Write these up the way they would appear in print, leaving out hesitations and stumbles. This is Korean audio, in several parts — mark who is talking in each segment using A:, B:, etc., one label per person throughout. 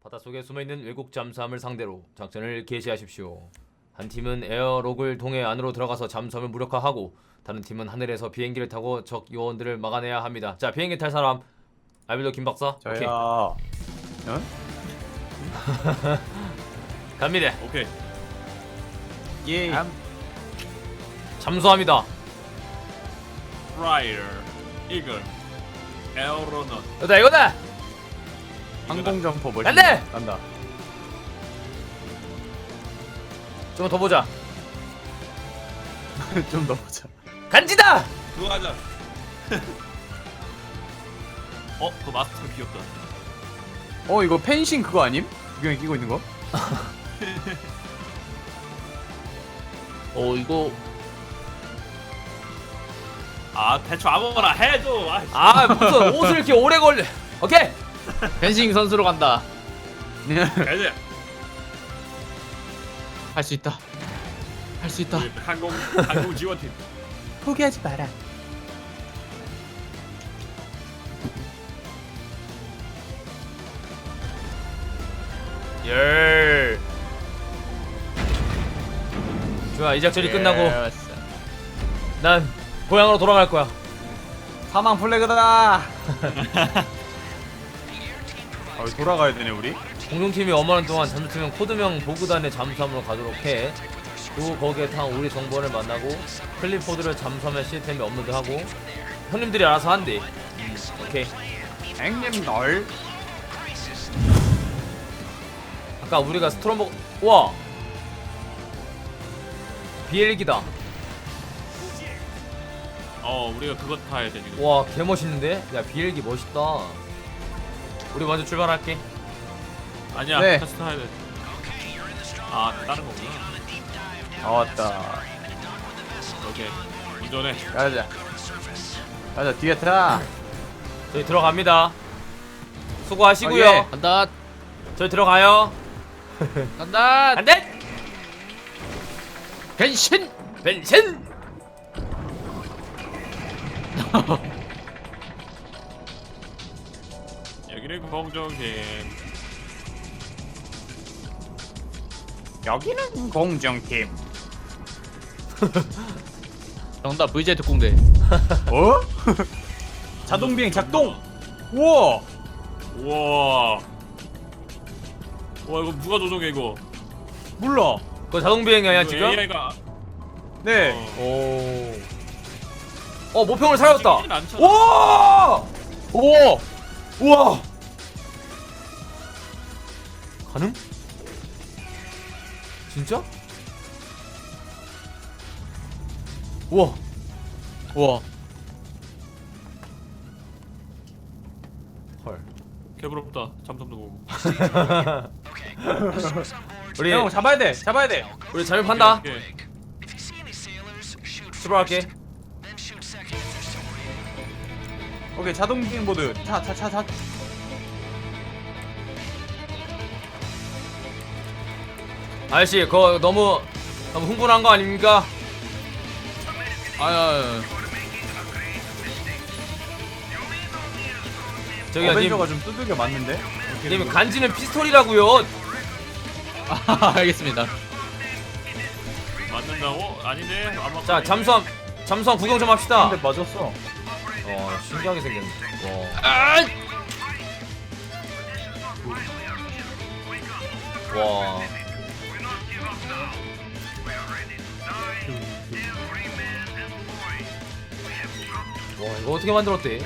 A: 바닷속에 숨어있는 외국 잠수함을 상대로 작전을 개시하십시오. 한 팀은 에어록을 통해 안으로 들어가서 잠수함을 무력화하고 다른 팀은 하늘에서 비행기를 타고 적 요원들을 막아내야 합니다. 자, 비행기 탈 사람. 알빌도 김박사.
B: 저야.
A: 오케이.
B: 어?
A: 갑니다.
C: 오케이.
B: 예.
A: 잠수함이다.
C: 프라이어, 이글, 에어로넛.
A: 이거다.
B: 항공점퍼 멋있네.
A: 간다!
B: 간다.
A: 좀 더 보자.
B: 좀 더 보자.
A: 간지다.
C: 그거 하자. 그 마스크 귀엽다.
B: 이거 펜싱 그거 아님? 구경이 끼고 있는 거?
D: 이거
C: 대충 아무거나 해줘.
A: 무슨 옷을 이렇게 오래 걸려. 오케이.
D: 펜싱 선수로 간다.
C: 가자.
D: 할 수 있다. 할 수 있다.
C: 항공 지원팀.
B: 포기하지 마라.
A: 열. 좋아, 이 작전이 끝나고 난 고향으로 돌아갈 거야.
B: 사망 플래그다. 돌아가야 되네 우리.
A: 공룡팀이 어마한 동안 잠수팀은 코드명 보그단의 잠수함으로 가도록 해. 그리고 거기에 탄 우리 정보를 만나고 클리포드를 잠수함의 시스템에 업로드하고 형님들이 알아서 한대. 오케이.
B: 형님 널.
A: 아까 우리가 스트롬버. 우와, 비엘기다.
C: 우리가 그거 타야 돼 지금.
A: 와, 개멋있는데? 야, 비엘기 멋있다. 우리 먼저 출발할게.
C: 아니야.
B: 네.
C: 테스트 타야 돼. 다른 거구나.
B: 왔다.
C: 오케이. 운전해.
B: 가자. 가자 뒤에 타.
A: 저희 들어갑니다. 수고하시고요.
B: 예.
D: 간다.
A: 저희 들어가요.
D: 간다.
A: 안돼.
D: 변신.
A: 변신.
C: 여기는 공정팀.
B: 여기는 공정팀.
D: 정답 VJ 특공대.
B: 어? 자동비행 작동. 우와.
C: 우와. 와 이거 누가 조종해 이거?
B: 몰라.
A: 그거 자동 비행이 아니야
C: 이거
A: 지금?
C: AI가
B: 네.
A: 모평을 살렸다.
C: 찍히진 않잖아.
A: 와!
B: 오.
A: 우와. 가능? 진짜? 우와.
D: 우와.
A: 헐.
C: 개부럽다. 잠수함도 보고.
A: 우리
B: 형 잡아야 돼. 잡아야 돼.
A: 우리 잠입한다.
C: 오케이.
A: 출발할게.
B: 오케이 자동비행 모드. 차.
A: 아저씨, 그거 너무 흥분한 거 아닙니까?
D: 아야.
A: 저기요, 님,
B: 어벤져가 좀 두들겨 맞는데.
A: 님 간지는 피스톨이라고요.
D: 알겠습니다.
C: 맞는다고? 아닌데. 아마
A: 자, 잠수함 구경 좀 합시다.
B: 근데 맞았어.
A: 신기하게 생겼네. 와. 와, 이거 어떻게 만들었대?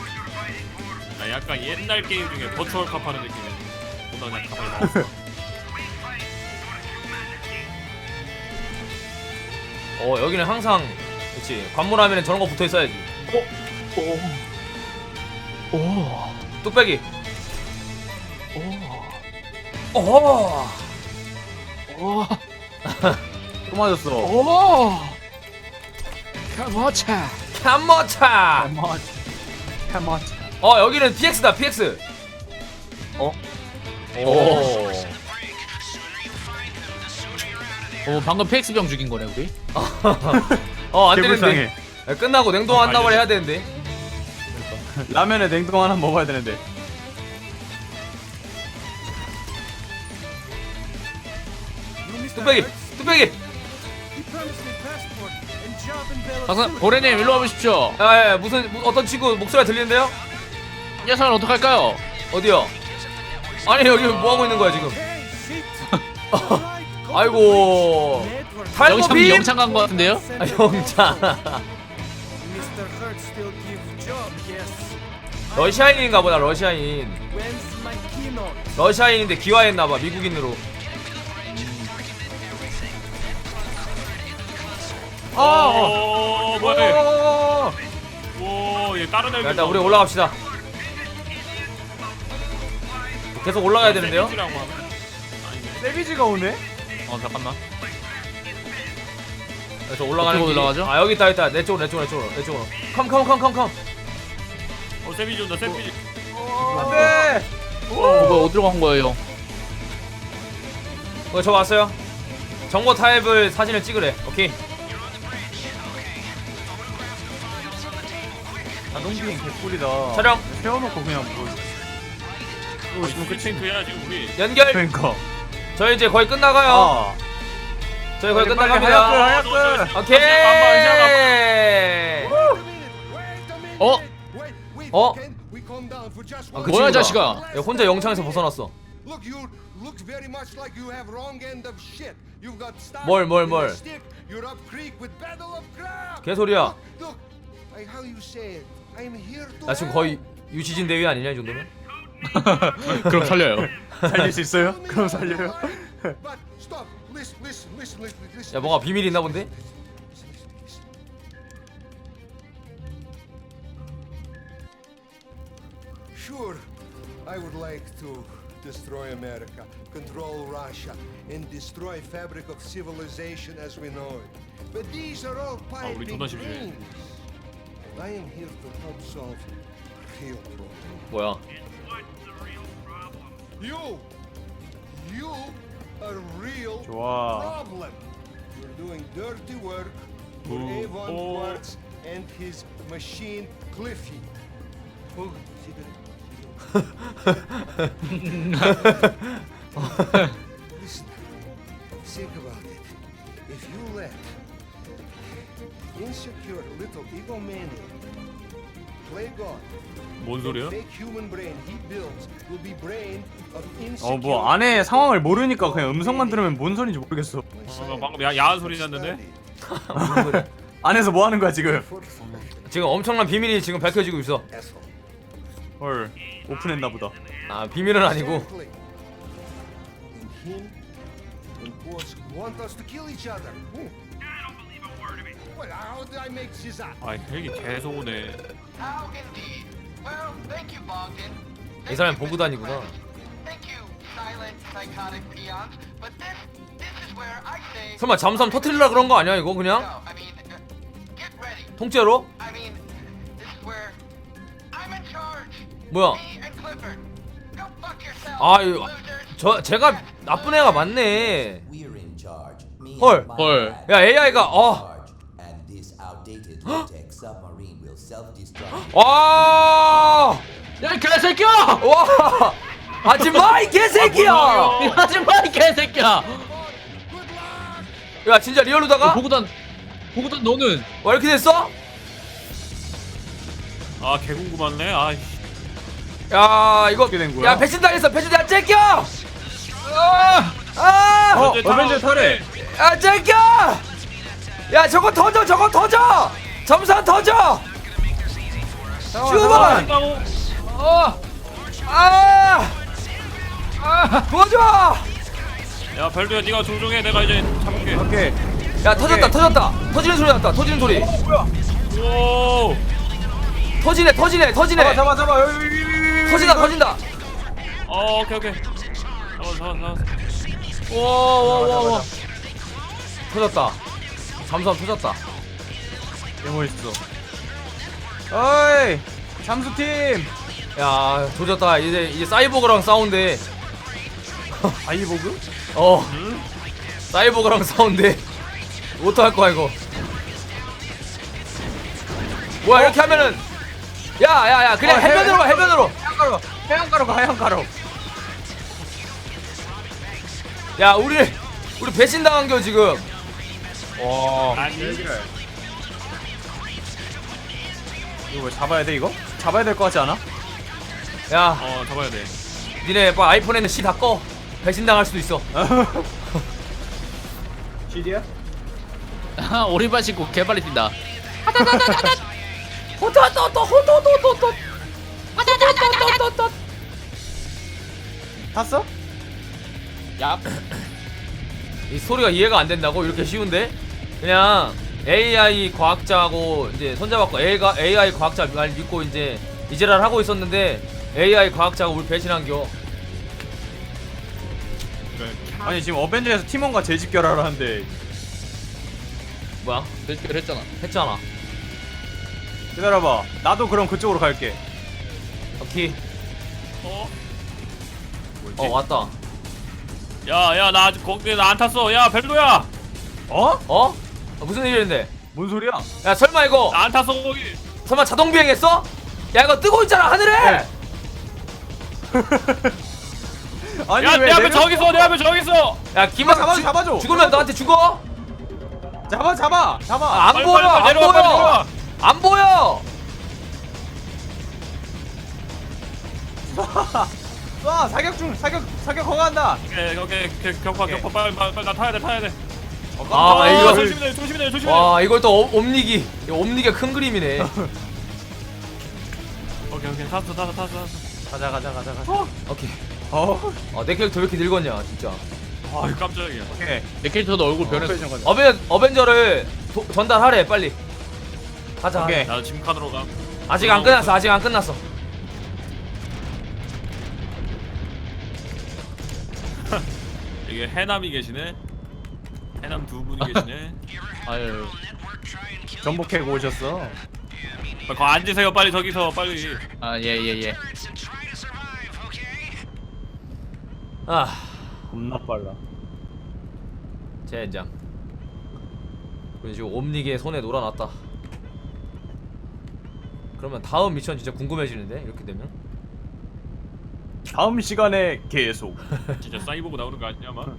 C: 약간 옛날 게임 중에 버추얼 컵 하는 느낌이야. 뭔가 그냥 가만히 나왔어.
A: 여기는 항상 그렇지. 관문하면은 저런 거 붙어 있어야지. 뚝배기.
B: 또 맞았어.
D: 카모차.
A: 캔머차.
B: 캐머치.
A: 여기는 PX다. PX. 오.
D: 방금 PX병 죽인 거네 우리.
A: 안
B: 개불쌍해.
A: 되는데. 끝나고 냉동 한 나발 해야 되는데.
B: 라면에 냉동 하나 먹어야 되는데.
A: 뚝배기 뚝배기.
D: 박사 고래님 일로 와보십시오.
A: 아, 예, 무슨 어떤 친구 목소리가 들리는데요?
D: 이 녀석은 어떡할까요?
A: 어디요? 아니 여기 뭐 하고 있는 거야 지금? 아이고 탈모빔?
D: 영창 간 거 같은데요?
A: 아, 영창. 러시아인인가 보다. 러시아인. 러시아인인데 기화했나 봐. 미국인으로.
C: 뭐야? 오얘 다른 애들.
A: 일단 우리 올라갑시다. 계속 올라가야 되는데요?
B: 세비지가 오네?
D: 잠깐만.
A: 그래서 올라가는
D: 어떻게
A: 길이-
D: 올라가죠?
A: 아 여기 있다. 내 쪽으로. 컴.
C: 세비지 온다 세비지.
B: 안돼.
D: 뭐야 어디로 간 거예요?
A: 저 왔어요. 정보 타입을 사진을 찍으래. 오케이.
B: 자동비행 개꿀이다.
A: 촬영.
B: 세워놓고 그냥 뭐.
C: 지금 끝인 그야 지금 우리.
A: 연결.
B: 그러니까.
A: 저희 이제 거의 끝나가요.
B: 아.
A: 저희 거의
B: 빨리
A: 끝나갑니다.
B: 하얗게.
A: 오케이.
D: 어?
A: 어? 아, 그 친구다.
D: 뭐야 자식아?
A: 야, 혼자 영창에서 벗어났어.
E: Look, you look very much like you have wrong end of shit. You've got stuck
A: 뭘.
E: in a stick. You're up creek with battle of crab.
A: 개소리야.
E: Look, like how you say it. I'm here to
A: 나 지금
E: help.
A: 거의 유시진 대위 아니냐 이 정도면?
D: 그럼 살려요.
B: 살릴 수 있어요? 그럼 살려요?
E: But stop. Listen.
A: 야 뭔가 비밀이 있나 본데?
E: Sure, I would like to destroy America, control Russia, and destroy fabric of civilization as we know it. But these are all
C: 우리
E: piping
C: 존나 심심해.
E: dreams. I am here to help solve real problems.
A: 뭐야?
E: You are real
B: 좋아.
E: problem. You're doing dirty work for
C: Ooh.
E: Avon
C: Oh.
E: Quartz and his machine Cliffy. Oh, cigarette. Listen, think about it. If you let insecure little egomaniac play God,
C: 뭔 소리야?
E: fake human brain he builds will be brain of
B: 뭐
E: insecure.
B: 안에 상황을 모르니까 그냥 음성만 들으면 뭔 소리인지 모르겠어.
C: 방금 야한 소리 났는데.
A: 무슨 소리야?
B: 안에서 뭐 하는 거야 지금?
A: 지금 엄청난 비밀이 지금 밝혀지고 있어.
B: 헐. 오픈했나 보다.
A: 아 비밀은 아니고.
E: Exactly. And him and Quartz want us to kill each other. Well, how did I make this up?
C: 아 헬기 계속 오네.
F: How indeed. Well, thank you, Bogdan.
A: 이 사람이 보고 다니구나.
F: Thank you, silent, psychotic peons. But this is where I say.
A: 설마 잠수함 터트리려 그런 거 아니야 이거 그냥?
F: No, I mean, get ready.
A: 통째로?
F: I mean, this is where I'm in charge.
A: 뭐야?
F: Me and Clifford. Go fuck yourself.
A: 아 이거
F: losers.
A: 제가 나쁜 애가 맞네.
G: We're in charge. Me
A: 헐.
G: and my
D: 헐.
G: lab
A: 야 AI가
G: are in charge. And this outdated low-tech submarine will self-destruct.
A: 와.
D: 야 이 개새끼야!
A: 와. 하지마 이 개새끼야.
D: 하지마 이 개새끼야!
A: 야 진짜 리얼로다가?
D: 보고단 너는
A: 와 이렇게 됐어?
C: 아 개궁금하네. 아
A: 야 이거
B: 어떻게 된 거야?
A: 야 배신당했어. 배신당 째껴. 아.
B: 어벤져 탈해.
A: 야 째껴. 야 저거 터져. 잠수함 터져. 슈먼. 도와줘.
C: 야 별도야 네가 조종해. 내가 이제 잡을게.
B: 오케이.
A: 야 터졌다. 터지는 소리 났다. 터지는 소리.
C: 오.
A: 터지네.
B: 잡아.
A: 터진다.
C: 오케이. 잡았어.
A: 와. 터졌다. 잠수함 터졌다.
B: 개멋있어. 어이. 잠수팀.
A: 야 조졌다. 이제 사이보그랑 싸운대.
B: 아이보그?
A: 사이보그랑 싸운대. 어떡할 거야 이거. 뭐야 이렇게 하면은 야 그냥 해변으로 가. 해변으로.
B: 해안가로 가.
A: 야 우리 우리 배신당한 겨 지금.
B: 와.
C: 아니.
B: 이거 왜 잡아야 돼 이거? 잡아야 될 것 같지 않아?
A: 야
C: 잡아야 돼.
A: 니네 뭐 아이폰에는 C 다 꺼. 배신당할 수도 있어.
B: GD야?
D: 오리발 신고 개빨리 뛴다.
B: 탔어?
D: 야.
A: 이 소리가 이해가 안 된다고? 이렇게 쉬운데? 그냥 AI 과학자하고 이제 손잡았고 AI 과학자 말 믿고 이제 이제랄 하고 있었는데 AI 과학자가 우리 배신한겨.
B: 아니 지금 어벤져에서 팀원과 재집결하러 하는데
A: 뭐야?
D: 대결 했잖아.
A: 했잖아.
B: 기다려봐. 나도 그럼 그쪽으로 갈게.
A: 오케이.
C: 뭐지?
A: 왔다.
C: 야, 나 아직 거기 나 안 탔어. 야, 벨도야.
B: 어?
A: 어? 무슨 일인데?
B: 뭔 소리야?
A: 야 설마 이거
C: 나 안 탔어 거기.
A: 설마 자동 비행했어? 야 이거 뜨고 있잖아 하늘에.
B: 아니
C: 야,
B: 왜
C: 내 앞에
B: 내려-
C: 저기 있어. 내 앞에 저기 있어.
A: 야 기만
B: 잡아줘.
A: 죽으면 너한테 죽어?
B: 잡아.
A: 안
C: 빨리,
A: 보여.
C: 빨리,
A: 안
C: 내려와, 빨리
A: 보여.
C: 내려와.
A: 안 보여.
B: 쏴 사격 허가한다.
C: 오케이. 격파 빨리 나 타야 돼.
A: 아, 이거-
C: 조심해.
A: 와 이걸 또 옴니기. 이거 옴니기가 큰 그림이네.
C: 오케이. 탔어.
B: 가자.
A: 오케이.
B: 어.
A: 내 캐릭터 왜 이렇게 늙었냐 진짜.
C: 아, 깜짝이야.
B: 오케이.
D: 내 캐릭터도 얼굴 변했어.
A: 어벤져를 전달하래 빨리. 가자.
B: 오케이.
C: 나 짐칸으로 가.
A: 아직 안 끝났어.
C: 이게 해남이 계시네. 해남 두 분이 계시네.
D: 아유.
B: 전복 캐고 오셨어.
C: 거 앉으세요. 빨리 저기서 빨리.
D: 아 예.
A: 아
B: 겁나 빨라.
A: 젠장. 우리 지금 옴니기의 손에 놀아놨다. 그러면 다음 미션 진짜 궁금해지는데 이렇게 되면.
B: 다음 시간에 계속.
C: 진짜 사이보그 나오는 거 아니냐 막.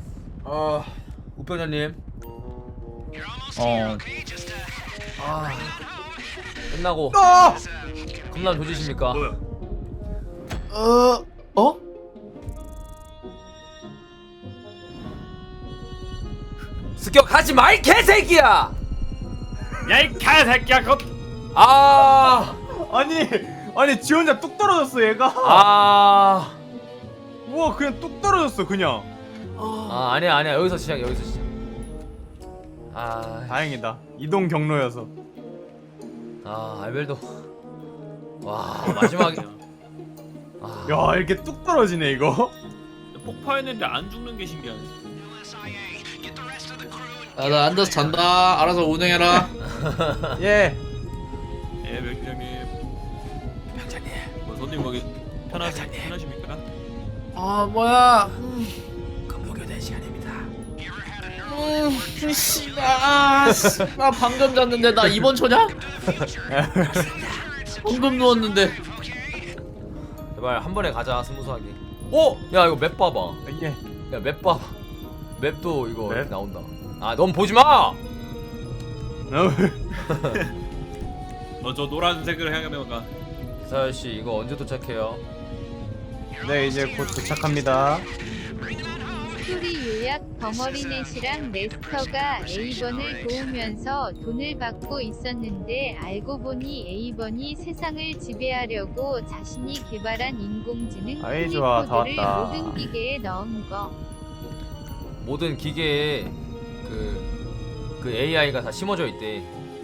A: 우병장님.
D: 어.
A: 끝나고 겁나 조지십니까?
D: 어?
A: 습격하지 마 이 개새끼야!
C: 야, 이 개새끼야. 그거
B: 아니 지 혼자 뚝 떨어졌어 얘가. 우와 그냥 뚝 떨어졌어 그냥.
A: 아니야 여기서 시작.
B: 다행이다. 이동 경로여서.
A: 알벨도. 와 마지막에.
B: 야 이렇게 뚝 떨어지네 이거.
C: 폭파했는데 안 죽는 게 신기하네.
D: 나 앉아서 잔다. 알아서 운행해라.
B: 예.
C: 예, 병장님. 뭐 손님 거기 편하십니까?
D: 뭐야?
A: 금요교대 시간입니다.
D: 나 방금 잤는데 나 입원 초냐? 방금 누웠는데.
A: 제발 한 번에 가자 스무스하게. 야 이거 맵 봐봐.
B: 예.
A: 야 맵 봐봐. 맵도 이거
B: 맵?
A: 이렇게 나온다. 넌 보지 마.
C: 저 노란색을 향하면 가.
A: 기사열 씨 이거 언제 도착해요?
B: 네 이제 곧 도착합니다.
H: 스토리 요약 벙어리넷이랑 레스터가 A번을 도우면서 돈을 받고 있었는데 알고 보니 A번이 세상을 지배하려고 자신이 개발한 인공지능
B: 아이, 좋아. 다
H: 코드를
B: 왔다.
H: 모든 기계에 넣은 거.
A: 모든 기계에 그 AI가 다 심어져 있대.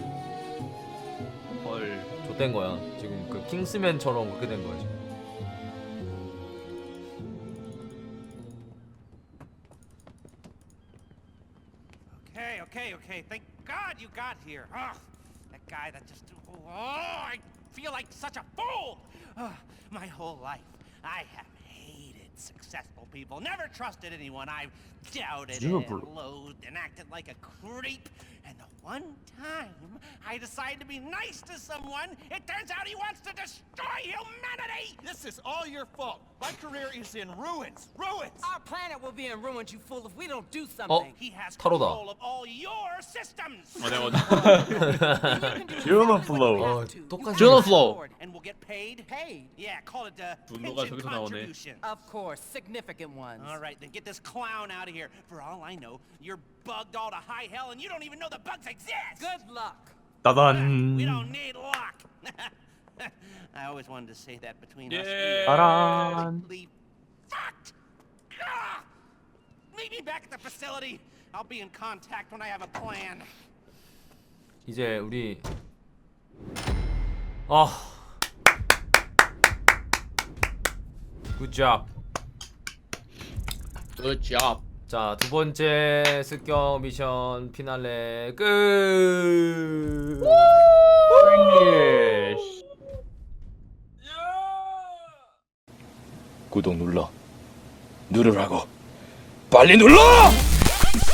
C: 헐.
A: 좆된 거야. 지금 그 킹스맨처럼 그렇게 된 거야 지금.
I: Okay. Thank God you got here. Ugh, that guy that just... Oh, I feel like such a fool. My whole life, I have hated successful people. Never trusted anyone. I've doubted and loathed and acted like a creep. And the one time I decide to be nice to someone, it turns out he wants to destroy humanity!
J: This is all your fault. My career is in ruins. Ruins!
I: Our planet will be in ruins, you fool, if we don't do something. He has
A: 타로다.
I: control of all your systems.
C: 내가
B: 듀오노 플로우.
A: 어, 똑같이.
D: 듀오노 플로우.
I: And we'll get paid? Paid? Yeah, call it
C: 분노가
I: pension
C: 저기서 나오네.
I: contribution. Of course, significant ones. All right, then get this clown out of here. For all I know, you're bugged all to high hell and you don't even know the bugs exist. Good luck.
B: 따단.
I: We don't need luck. I always wanted to say that between us.
C: Yeah.
B: 따란.
I: Completely fucked. Ah! Meet me back at the facility. I'll be in contact when I have a plan.
A: 이제 우리 굿잡.
D: Good job.
A: 자, 두 번째 습격 미션 피날레 끝.
J: 구독 눌러. 누르라고. 빨리 눌러!